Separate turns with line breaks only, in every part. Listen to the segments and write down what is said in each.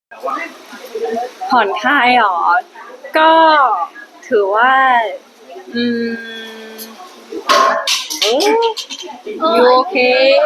ผ่อนคลายหรอ ก็ถือว่า อืมยูโอเค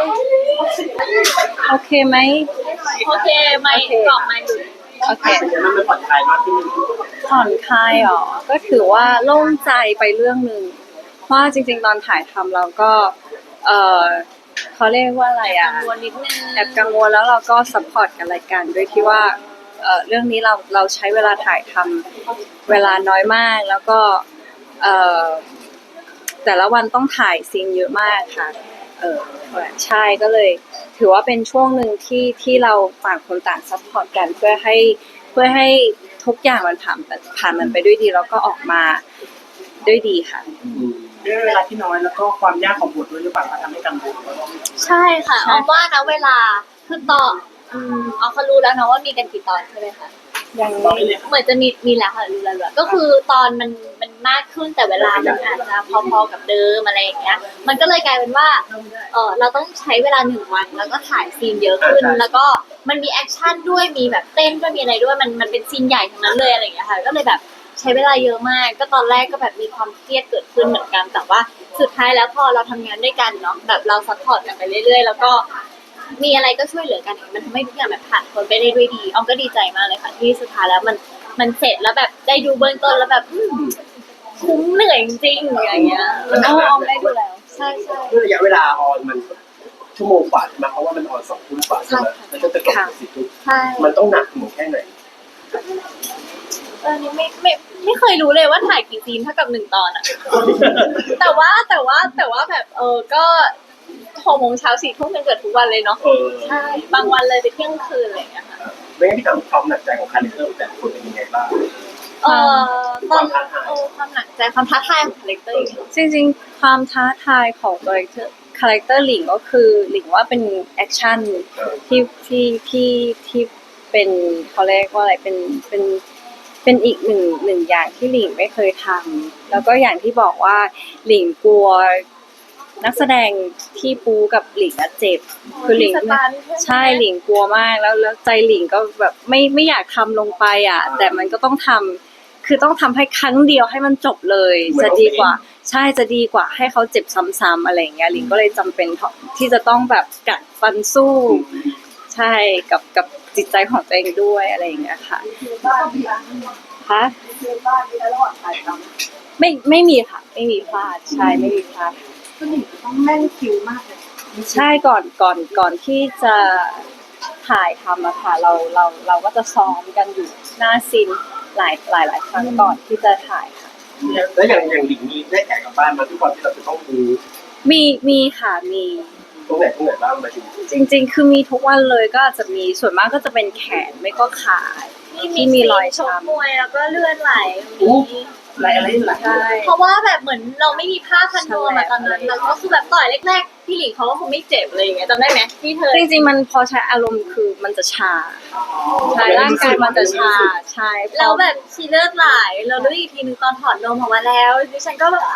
โอเคไหม
โอเคไม่ตอบไม่หลุด
โอเค
มันผ่อนคลายมากขึ้น
ผ่อนคลายหรอ ก็ถือว่าโล่งใจไปเรื่องหนึ่งเพราะจริงๆตอนถ่ายทำเราก็ เออเขาเรียกว่าอะไรอ่ะ
กังวลนิดนึง
แอบกังวลแล้วเราก็ซัพพอร์ตกันรายการด้วยที่ว่าเรื่องนี้เราใช้เวลาถ่ายทำเวลาน้อยมากแล้วก็เอ่อแต่ละวันต้องถ่ายซีนเยอะมากค่ะใช่ก็เลยถือว่าเป็นช่วงหนึ่งที่เราต่างคนต่างซัพพอร์ตกันเพื่อให้ทุกอย่างมันผ่านมันไปด้วยดีแล้วก็ออกมาด้วยดีค่ะ
ด้วยเวลาที่น้อยแล้วก็ความยากของบทด้วยหรือเปล่าทำให้กังวล
ใช่ค่ะออมว่านะเวลาคือตอนออมเขารู้แล้วนะว่ามีกันกี่ตอนใช่ไหมคะ
ยังไม่
เหมือนจะมีแล้วค่ะรู้แล้วก็คือตอนมันมากขึ้นแต่เวลามันอาจจะพอๆกับเดิมอะไรอย่างเงี้ยมันก็เลยกลายเป็นว่าเราต้องใช้เวลา1 วันแล้วก็ถ่ายซีนเยอะขึ้นแล้วก็มันมีแอคชั่นด้วยมีแบบเต้นด้วยมีอะไรด้วยมันเป็นซีนใหญ่ทั้งนั้นเลยอะไรอย่างเงี้ยค่ะก็เลยแบบใช้เวลาเยอะมากก็ตอนแรกก็แบบมีความเครียดเกิดขึ้นเหมือนกันแต่ว่าสุดท้ายแล้วพอเราทำงานด้วยกันเนาะแบบเราซัพพอร์ตกันไปเรื่อยๆแล้วก็มีอะไรก็ช่วยเหลือกันมันทำให้ทุกอย่างแบบผ่านพ้นไปได้ด้วยดีออมก็ดีใจมากเลยค่ะที่สุดท้ายแล้วมันเสร็จแล้วแบบได้ดูเบื้องต้นแล้วแบบคุ้มเหนื่อยจริงๆอย่างเงี้ยออมได้ดูแล้วใช่
ด้วยระยะเวลาออนมันชั่วโมงกว่าใช่ไหมเพราะว่ามันออน2 ทุ่มกว่าใช่ไหมแล้วก็จะจบ10 ทุ่ม
ใช่
มันต้องหนักหน่วงแค่ไหน
นี่ไม่เคยรู้เลยว่าถ่ายกี่ซีนเท่ากับ1 ตอนอะแต่ว่าแบบก็6 โมงเช้า4 ทุ่มกันเกิดทุกวันเลยเนาะใช่บางวันเลยไปเที่ยงคืนอะไรอย่างเงี้ยค่ะ
ไม่งั้นพี่ถามความหนักใจของคาแรคเตอร์แต่ละคนเป็นยังไงบ้าง
ตอนความหนักใจความท้าทายของคาแรคเตอร์
จริงๆความท้าทายของคาแรคเตอร์หลิงก็คือหลิงว่าเป็นแอคชั่นที่เป็นเขาเรียกว่าอะไรเป็นอีกหนึ่งอย่างที่หลิงไม่เคยทำแล้วก็อย่างที่บอกว่าหลิงกลัวนักแสดงที่ปูกับหลิงเจ็บคือหลิงใช่หลิงกลัวมากแล้วใจหลิงก็แบบไม่อยากทำลงไปอ่ะแต่มันก็ต้องทำคือต้องทำให้ครั้งเดียวให้มันจบเลยจะดีกว่าใช่จะดีกว่าให้เขาเจ็บซ้ำๆอะไรอย่างเงี้ยหลิงก็เลยจำเป็นที่จะต้องแบบกัดฟันสู้ใช่กับจิตใจของตัวเองด้วยอะไรอย่างเงี้ยค่ะคะไม่มีค่ะไม่มีพลาดใช่ไม่มีพลาด
ต้องแม่นคิวมากเลย
ใช่ก่อนที่จะถ่ายทำอะค่ะเราก็จะซ้อมกันอยู่หน้าซีนหลายครั้งก่อนที่จะถ่ายค่ะ
แล้วอย่างหลิงมีได้แขกกลับบ้านมาทุกวันที่เราจะต้องดู
มีค่ะมี
ตรงไหนบ้างมาดู
จริงๆคือมีทุกวันเลยก็อาจจะมีส่วนมากก็จะเป็นแขนไม่ก็ขาที่มีรอย
ชก
ช้ำ
มวยแล้วก็เลือดไหล
อะไรหลาย
ใช่
เพราะว่าแบบเหมือนเราไม่มีผ้าพันตัวมาตอนนั้นแล้วก็คือแบบต่อยแรกๆพี่หลิงเขาก็คงไม่เจ็บเลยอย่างเงี้ยจำได้ไหมที่เธอ
จริงๆมันพอใช้อารมณ์คือมันจะชาใช่ร่างกายมันจะชาใช่พอ
แล้วแบบชีเลือดไหลเรารู้อีกทีนึงตอนถอดนมออกมาแล้วดิฉันก็แบบ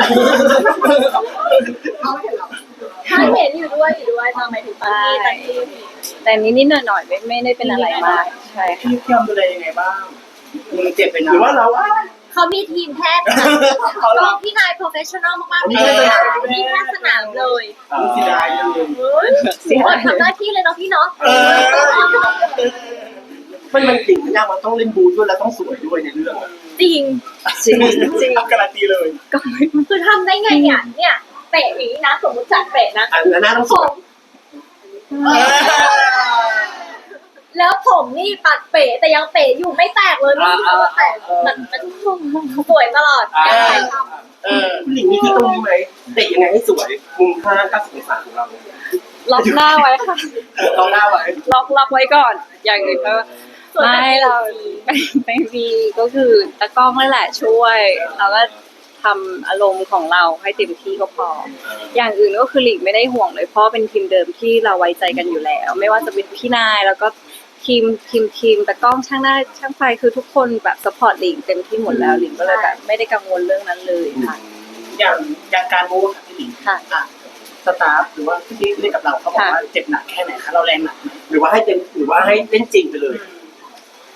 ถ้าเห็นอยู่ด้วยตอนหมายถึงตอนที่
แต่นิดๆหน่อยๆไม่ได้เป็นอะไรมากใช่ค่ะ
พี่เทียมดูแลยังไงบ้างมือเจ็บเป็นหรือว่าเรา
เขามีทีมแพทย์ค่ะก็พี่นาย professional มากๆเลยที่แพทย์สนามเลย
เสียดายเลย
เสีย
ทำหน้าที่เลยเนาะพี่เนาะ
มันจริงมันยากมันต้องเล่นบูด้วยแล้วต้องสวยด้วยในเรื่อง
จริง
จริง
การันตีเลย
ก็ไม่
คือทำได้ไงเนี่ยเปะอย่างนี้นะสมมติจัดเปะนะ
อันนั้นต้องสวย
แล้วผมนี่ปัดเป๋แต่ยังเป๋อยู่ไม่แตกเลยไม่รู้ว่าแตกมันสวยตลอดการถ่ายทำ
หลิงมีที่ตรงนี้ไหมเตะยังไงให้สวยมุม90 องศาของเรา
ล็อกหน้าไว้ค่ะ
เราหน้าไว้
ล็อกไว้ก่อน อย่างอื่นก็ไม่เราไม่มีก็คือตะกล้องนั่นแหละช่วยเราก็ทำอารมณ์ของเราให้เต็มที่ก็พอ อย่างอื่นก็คือหลีกไม่ได้ห่วงเลยเพราะเป็นทีมเดิมที่เราไว้ใจกันอยู่แล้ว ไม่ว่าจะเป็นพี่นายแล้วก็ทีมตะกล้องช่างหน้าช่างไฟคือทุกคนแบบซัพพอร์ตหลิงเต็มที่หมดแล้วหลิงก็เลยแบบไม่ได้กังวลเรื่องนั้นเลยค่ะ
อย่างการมูฟพี่หลิง
ค่ะ
สตาฟหรือว่าที่เล่นกับเราเขาบอกว่าเจ็บหนักแค่ไหนคะเราแรงหนักหรือว่าให้เต็มหรือว่าให้เล่นจริงไปเลย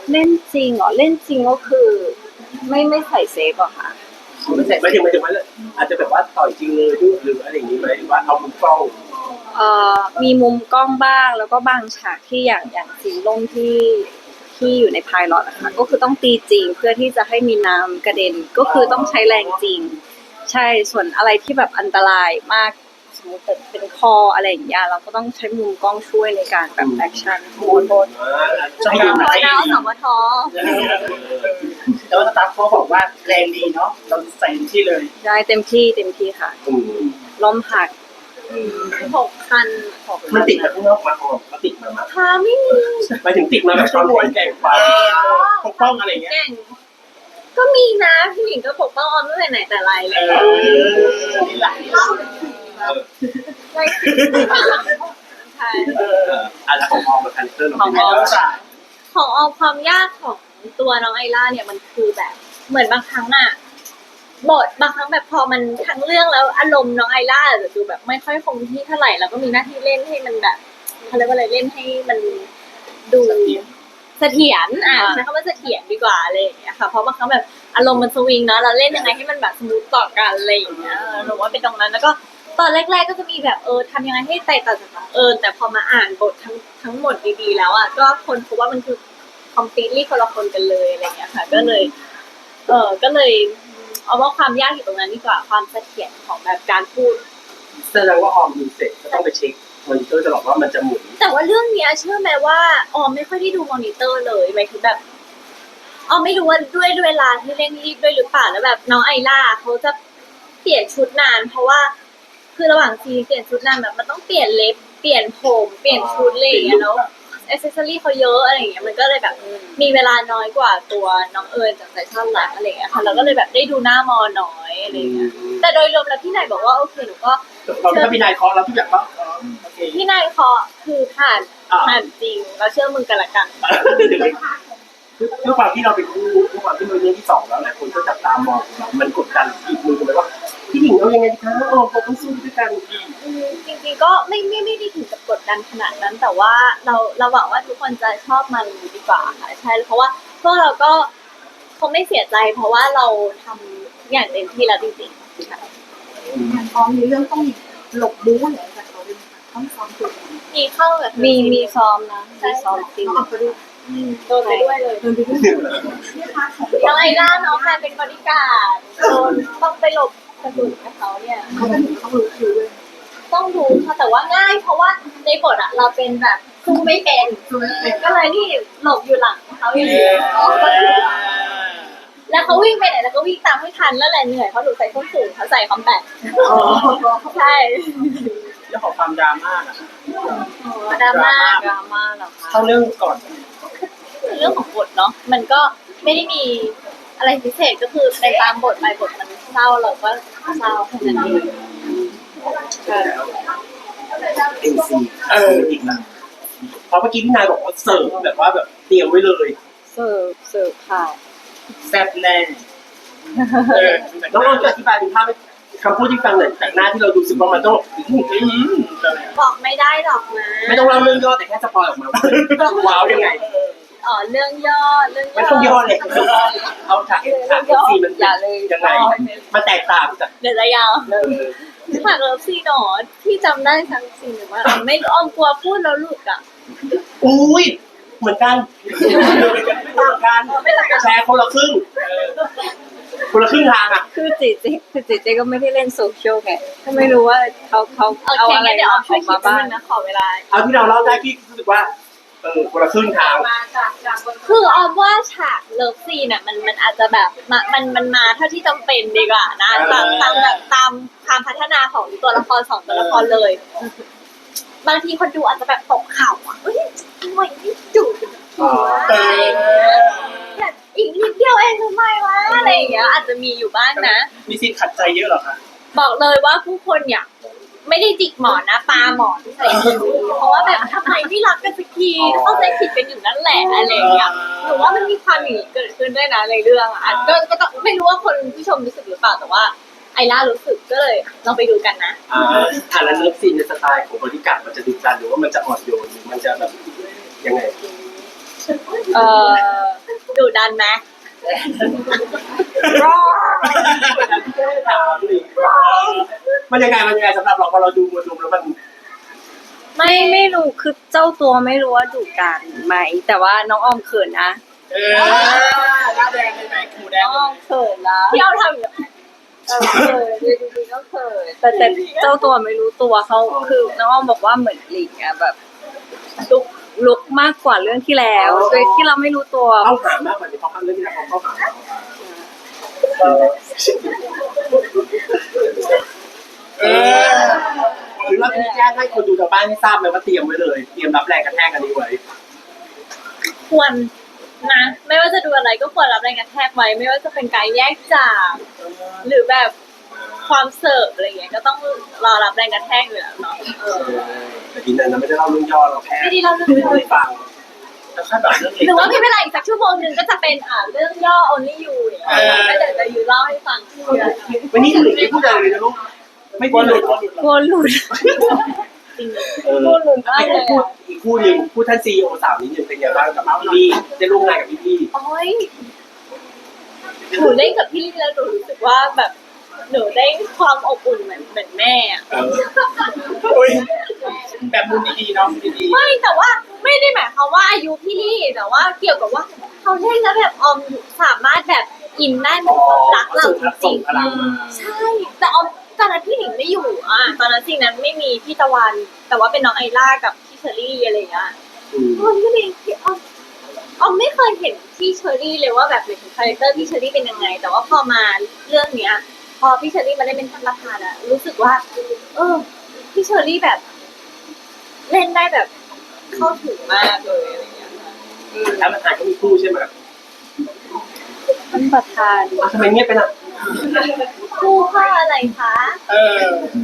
เล่นจริงเหรอเล่นจริงก็คือไม่ใส่เซฟหรอคะ
ไม่ถึงว่าอาจจะแบบว่าต่อยจริงเลยด้วยหรืออะไรอย่างนี้ไหมหรือว่าเอามุมกล้อง
มีมุมกล้องบ้างแล้วก็บางฉากที่อย่างสีลมที่อยู่ในพายลอตนะคะก็คือต้องตีจริงเพื่อที่จะให้มีน้ำกระเด็นก็คือต้องใช้แรงจริง ใช่ส่วนอะไรที่แบบอันตรายมากสมมติเป็นคออะไรอย่างเงี้ยเราก็ต้องใช้มุมกล้องช่วยในการแบบแอคชั่นโบน
จะให้ดูไหน
พอนะสมท
แต่ว่าสตาฟเขาบอกว่าแรงดีเนาะเราใส่ที่เลย
ได้เต็มที่ค่ะล้มหัก
6 คัน
มันติดมาข้างนอกมาออกก็ติดมา
พาไม่มี
ไปถึงติดมาแบบตอนแข่งแข่งไป
ปกป้องอะไรอย่างเงี้ย
แก่งก็มีนะพี่หญิงก็ปกป้องออมตั้งแต่ไหนแต่ไรเลย
นี่แหละ
ใช่ใช่
อะไรของออมกับคันเตอร์เราเป็นไง
ของออมความยากของตัวน้องไอล่าเนี่ยมันคือแบบ เหมือนบางครั้งอะบทบางครั้งแบบพอมันทั้งเรื่องแล้วอารมณ์น้องไอล่าจะดูแบบไม่ค่อยคงที่เท่าไหร่แล้วก็มีหน้าที่เล่นให้มันแบบเขาเรียกว่าอะไรเล่นให้มันดูเสถียรใช้คำว่าเสถียรดีกว่าอะไรอย่างเงี้ยค่ะเพราะบางครั้งแบบอารมณ์มันสวิงเนาะเราเล่นยังไงให้มันแบบสมูทต่อกันอะไรอย่างเงี้ยหนูว่าเป็นตรงนั้นแล้วก็ตอนแรกๆก็จะมีแบบทำยังไงให้แตกต่างจากน้องแต่พอมาอ่านบททั้งหมดดีๆแล้วอ่ะก็คนพบว่ามันคือ completely คนละคนกันเลยอะไรอย่างเงี้ยค่ะก็เลยเอาว่าความยากอยู่ตรงนั้นดีกว่าความเสถียรของแบบการพูด
แสดงว่าออมดูเสร็จก็ต้องไปเช็คมอนิเตอร์ตลอดว่ามันจะหมุน
แต่ว่าเรื่องเนี้ยเชื่อไหมว่าออมไม่ค่อยได้ดูมอนิเตอร์เลยหมายถึงแบบออมไม่รู้ว่าด้วยเวลาที่เร่งรีบด้วยหรือเปล่าแล้วแบบน้องไอล่าเขาจะเปลี่ยนชุดนาน เพราะว่าคือระหว่างซีนเปลี่ยนชุดนานแบบมันต้องเปลี่ยนเล็บเปลี่ยนผมเปลี่ยนชุดอะไรอย่างเงี้ยแล้วแอคเซสซอรี่เขาเยอะอะไรอย่างเงี้ยมันก็เลยแบบมีเวลาน้อยกว่าตัวน้องจากแฟชั่นหลักอะไรอย่างเงี้ยค่ะเราก็เลยแบบได้ดูหน้ามอน้อยอะไรอย่างเงี้ยแต่โดยรวมแล้วพี่นายบอกว่าโอเคหนูก็
เราถ้าพี่นายเคาะเราทุกอย่างก็โอเค
พี่นายเคาะคือผ่านจริงเราเชื่อมึงกันละกัน
ด้วยความที่เราเป็นคู่ด้วยความที่มันเรื่องที่สองแล้วหลายคนก็จับตามองเรามันกดดันอีกมือกันไหมว่าพี่หญิงเรายังไงดีคะเราต้องสู้ด้วยกัน
จริงๆก็ไม่ได้ถึงกับกดดันขนาดนั้น แต่ว่าเราหวังว่าทุกคนจะชอบมันดีกว่าค่ะใช่เพราะว่าพวกเราก็คงไม่เสียใจ เพราะว่าเราทำอย่างเต็มที่แล้วจริงๆค่ะ
พร้อมในเรื่องต้องหลบบู๊อะไรจากเขาด้วยต้องซ้อมตัว
มีเข้าแบบ
มีซ้อมนะมีซ้อมจริง
ต้องออกไปด้วย
โดนไปด้วยเลย
เดินไปด้วยเนี่ยค่ะของ
น้องไอล่าน้องแฟนเป็นบริการดโดนต้องไปหลบกระสุนกับเขาเนี่ย
เขาเป็นต้องรู้คิวด้วย
ต้องรู้ค่ะแต่ว่าง่าย เพราะว่าในบทอะเราเป็นแบบสู้ไม่เป็น
ช่วยเป็น
ก็เลยนี่หลบอยู่หลังเขาอย่างเดียวแล้วเขาวิ่งไปไหนแล้วก็วิ่งตามไม่ทันแล้วแหละเหนื่อยเพราะหนูใส่ส้นสูงเขาใส่คอมแบทใช่
เรื่องของความดราม่าอะ
ดราม่า
ดราม่าเหรอคะ
เข้าเรื่องก่อน
เรื่องของบทเนาะมันก็ไม่ได้มีอะไรพิเศษก็คือไปตามบทไปบทมันเศร้าเราก็เศร้าแค่นั้นเอง
เอ็นซีอีกนะเพราะเมื่อกี้พี่นายบอกว่าเสิร์ฟแบบว่าแบบเตรียมไว้เลย
เสิร์ฟค่ะ
แซ่บแน่
น้องอ้อมจะอธิบายเป็นภาพคำพูดที่ฟังหน่อยจากหน้าที่เราดูสึกว่ามันต้อง
บอกไม่ได้หรอกนะ
ไม่ต้องเล่าเรื่องย่อแต่แค่สปอยออกมาว้าวยังไง
เรื่องย่อ
ไม่ต้องย่อเลยเอาฉากซีมัน
อย่าเลย
ยังไงมันแตกต่างจาก
เดี๋ยวจะยาวฉากเลิฟซีนหนอที่จำได้ทั้งซีนหรือว่าไม่อ้อมกลัวพูดแล้วหลุดอ่ะ
อุ้ยเหมือนกันไม่ต่างกันแชร์คนละครึ่งทางอ่ะ
คือจีเจก็ไม่ได้เล่นโซเชียลไงก็ไม่รู้ว่าเขาเอาอะไร
เดี๋ยวออมช่วย
มา
คิด
บ้าง
นะขอเวลา
เอาที่เราเล่าได้ที่รู้สึกว่าคนละครึ่งทาง
คือออมว่าฉากเลิฟซีนอ่ะมันอาจจะแบบมันมาเท่าที่จำเป็นดีกว่านะตามความพัฒนาของตัวละคร2ตัวละครเลย บางทีคนดูอาจจะแบบตกเข่าอ่ะเฮ้ยทำไมไม่จูบกันหัวอะไรอย่างเงี้ยแบบอีกนิดเดียวเองทำไมวะอะไรอย่างเงี้ยอาจจะมีอยู่บ้างนะ
มีซีนขัดใจเยอะเหรอคะ
บอกเลยว่าผู้คนอยากไม่ได้จิกหมอนนะปาหมอนใส่มือเพราะว่าแบบทำไมไม่รักกันสักทีเข้าใจผิดกันอยู่นั่นแหละอะไรอย่างเงี้ยหนูว่ามันมีความอย่างนี้เกิดขึ้นด้วยนะในเรื่องอ่ะก็ต้องไม่รู้ว่าคนผู้ชมรู้สึกหรือเปล่าแต่ว่าไอล่ารู้สึกก็เลยลองไปดูกันนะ
แล้วเลิฟซีนในสไตล์ของบริการมันจะดุดันหรือว่ามันจะอ่อนโยนหรือมันจะแบบยังไง
เอ่อ
ดุดันไหม
มันยังไงสำหรับเราพอเราดูมวลรวมแล้วมัน
ไม่รู้คือเจ้าตัวไม่รู้ว่าดุกันไหมแต่ว่าน้องออมเขินนะ
หน้าแดงเลยไหมหูแด
น้
ง
องออมเขินนะ
ที่เราทำอยู่
เขินดูดีๆก็เขินแต่เจ้าตัวไม่รู้ตัวเขาคือน้องออมบอกว่าเหมือนหลิงอะแบบลุกมากกว่าเรื่องที่แล้วโดยที่เราไม่รู้ตัว
เข้าหามากกว่าที่เขาเข้าเรื่องที่เราเข้าหาหรือเราจะแจ้งให้คนดูทางบ้านให้ทราบไหมว่าเตรียมไว้เลยเตรียมรับแรงกระแทกกันนี้ไว้
ควรนะไม่ว่าจะดูอะไรก็ควรรับแรงกระแทกไว้ไม่ว่าจะเป็นการแยกจากหรือแบบความเสิร์ฟอะไรเงี้ยก็ต้องรอรับแรงกระแทกอยู่แล้วเนาะ
แต่ทีนั้นเราไม่ได้เล่าเรื่องย่อเราแค่
ไม่ได้เล่าเรื่องย่อ
ให้ฟัง
แล้วค่อยแบบเรื่องเล็ก
หรือว่ามีเวลาอีกสักชั่วโมงหนึ่งก็จะเป็นเรื่องย่อ only you อย่างเงี้ยก็เดี๋ยวจะอยู่เล่าให้ฟัง
วันนี้หลิงไม่พูดอะไรเลยนะลูกไม่พูดเลย
กลัวหลุด
จริง
กลัวหลุดมากเลย
พูด
อะ
อีกคู่หนึ่งพูดท่านซีโอสาวนิดหนึ่งเป็นไงบ้างกับพี่ได้ร่วมงานกับพี่
โอ้ยหนูเล่นกับพี่ลี่แล้วหนูรู้สึกว่าแบบหนูได้ความอบอุ่นเหมือนแม่อะ
โอ้ยแบบมุมดีๆเนาะดี
ไม่แต่ว่าไม่ได้หมายความว่าอายุพี่ลี่แต่ว่าเกี่ยวกับว่าเขาเล่นแล้วแบบออมสามารถแบบอินได้เหมือนคนรักเราจ
ส่
ริ
ง
ง
พลังมา
ๆใช่แต่ออมตอนนั้นพี่หนิงไม่อยู่ตอนนั้นจริงนั้นไม่มีพี่ตะวัน แต่ว่าเป็นน้องไอล่ากับพี่เชอรี่อะไรอย่างเงี้ยคนก็เลยออมไม่เคยเห็นพี่เชอรี่เลยว่าแบบเป็นคาแรคเตอร์พี่เชอรี่เป็นยังไง แต่ว่าพอมาเรื่องเนี้ย พอพี่เชอรี่มาได้เป็นท่านประธานอะรู้สึกว่า พี่เชอรี่แบบ เล่นได้แบบเข้าถึงมากเลยอะไรอย่างเงี้ยค่ะ
แล้วมันถ่ายก็มีคู่ใช่ไหม
ท่านประธาน
ทำไมเงียบไปล่ะ
คู่ค่าอะไรคะ
เออ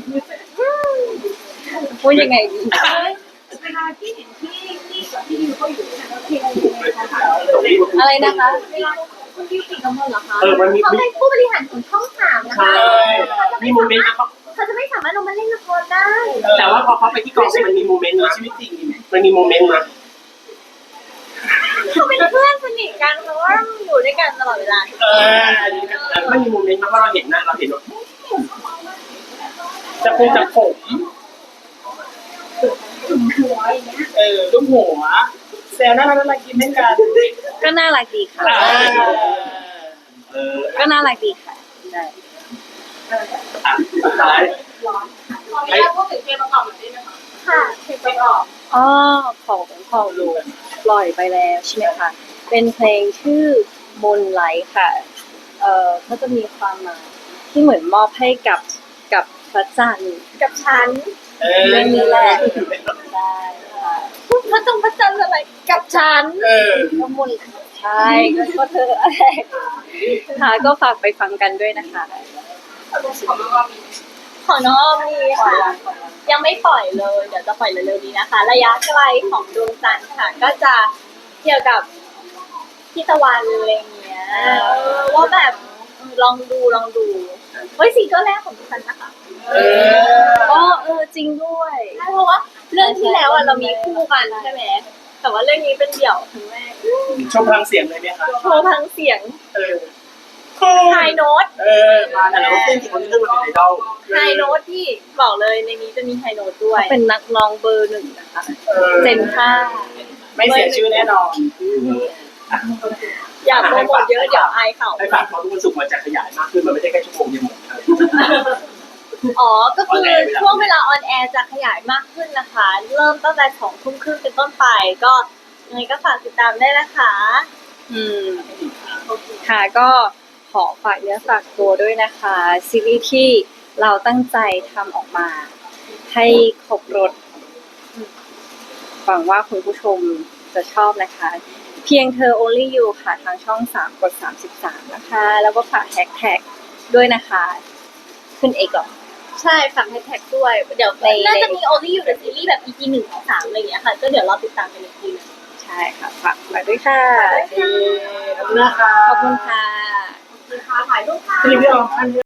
พูดยังไงดี
เวลาที่เห็นที่กับที่ยูก็อยู่เนี่ยเราเพลงนะคะ
อะไรนะคะ
เวลาคุณยูติดกับมันเหรอคะ
มันมี
เขาเป็นผู้บริหารของช่องสามนะ
ใช่
คะ
มีโมเมนต์นะเขา
เขาจะไม่สามารถลงมาเล่นละครได้
แต่ว่าพอเขาไปที่กองมันมีโมเมนต์นะ
ชีวิตจริงนี่ไหม
มันมีโมเมนต์นะ
เขาเป็นเพื่อนสนิทกันเพราะว่าอยู่ด้วยกันตลอดเวลา
มันมีโมเมนต์นะว่าเราเห็นนะเราเห็นว่า
จะพูดจากผม
หัวอย่างเงี้ย
ลูกหัวแซวน่ารักกินให้กัน
ก็น่ารักดีค่ะ ก็น่ารักดีค่ะใช่
สุดท้าย
ขออนุญาตพูดถึงเพลงประกอบหน่อยได้ไหมคะ
ค่ะ
เพลงประกอบ
อ๋อของลุงปล่อยไปแล้วใช่ไหมคะเป็นเพลงชื่อมนไลท์ค่ะเขาจะมีความหมายที่เหมือนมอบให้กับพระจันทร์
กับฉัน
เรื่องนี้แหละใช่ค่ะ
พระจงพระจันทร์อะไรกับฉัน
ก็มนใช่ก็เธออะไรค่ะก็ฝากไปฟังกันด้วยนะคะ
ของน้องออมมีค่ะ ยังไม่ปล่อยเลย เดี๋ยวจะปล่อยเร็วๆนี้นะคะ ระยะไกลของดวงจันทร์ค่ะ ก็จะเกี่ยวกับพี่ตะวันอะไรเงี้ยว่าแบบลองดูเฮ้ยซิงเกิลแรกของดิฉันนะคะ
อ๋อจริงด้วย
ใช่เพราะว่าเรื่องที่แล้วเรามีคู่กันใช่ไหมแต่ว่าเรื่องนี้เป็นเดี่ยวครั้งแรก
ชมพลังเสียงเลยไหมคะ
โชว์ทั้งเสียง
โอ้
ไฮโน้ต
มาแต่เราเต้นที่คนที่เรื่องมันเป็นไอดอล
ไฮโน้ตที่บอกเลยในนี้จะมีไฮโน้ตด้วย
เป็นนักร้องเบอร์หนึ่งนะคะเจนห้า
ไม่เสียชื่อแน่นอน
อย่าโปรโมทเยอะเดี๋ยวอายเขา
ให้ฝากความรู้สึกมันจะขยายมากขึ้นมันไม่ใช่แค่ชั่วโมงเดียวหมด
อ๋อ ก็คือช่วงเวลาออนแอร์จะขยายมากขึ้นนะคะ เริ่มตั้งแต่20:30เป็นต้นไป ก็ยังไงก็ฝากติดตามได้นะคะ
ค่ะก็ขอฝากเนื้อฝากตัวด้วยนะคะซีรีส์ที่เราตั้งใจทำออกมา ให้ครบรสหวังว่าคุณผู้ชมจะชอบนะคะ เพียงเธอ only you ค่ะทางช่อง3กด33นะคะ แล้วก็ฝากแฮชแท็กด้วยนะคะ ขึ้นเอกหรอ
ใช่ฝากแฮชแท็กด้วย เดี๋ยว
ใน
น่าจะมี only you the series แบบ EP 1-3อะไรอย่างเงี้ยค่ะ ก็เดี๋ยวเราติดตามกันอีกทีนึง
ใช่ค่ะฝากด้วยค่ะ
ขอบคุณนะคะ
ขอบคุณค่ะ
ถ่ายรูปค่ะ
พี่ออม